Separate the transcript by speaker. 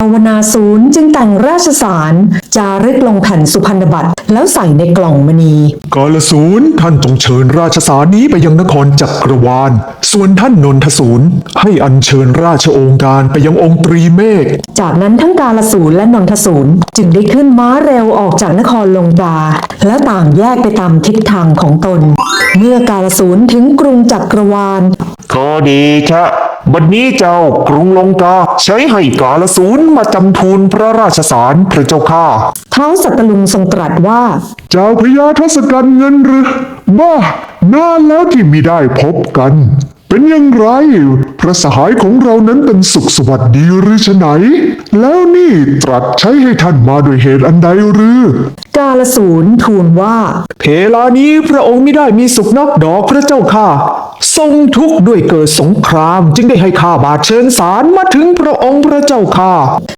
Speaker 1: าวนาสูรจึงแต่งราชสารจารึกลงแผ่นสุพรรณบัตรแล้วใส่ในกล่องมณี
Speaker 2: กาลสูรท่านจงเชิญราชสารนี้ไปยังนครจักรวาลส่วนท่านนนทสูรให้อัญเชิญราชโองการไปยังองค์ตรีเมฆ
Speaker 1: จากนั้นทั้งกาลสูรและนนทสูรจึงได้ขึ้นม้าเร็วออกจากนครลงกาและต่างแยกไปตามทิศทางของตน เมื่อกาลสูรถึงกรุงจักรวาล
Speaker 3: ก็ดีชะบัดนี้เจ้ากรุงลงกาใช้ให้กาลสูรมาจำทูลพระราชสารพระเจ้าข้า
Speaker 1: ท้าวสัตตลุงทรงตรัสว่า
Speaker 2: เจ้าพญาทศกัณฐ์เงินหรือบ้านานแล้วที่มิได้พบกัน เป็นอย่างไรพระสหายของเรานั้นเป็นสุขสวัสดีหรือฉะไหน แล้วนี่ตรัสใช้ให้ท่านมาด้วยเหตุอันใดหรือ
Speaker 1: กาลสูรทูลว่า
Speaker 3: เพลานี้พระองค์ไม่ได้มีสุขนักดอกพระเจ้าข้าทรงทุกข์ด้วยเกิดสงครามจึงได้ให้ข้าบาทเชิญสารมาถึงพระองค์พระเจ้าข้า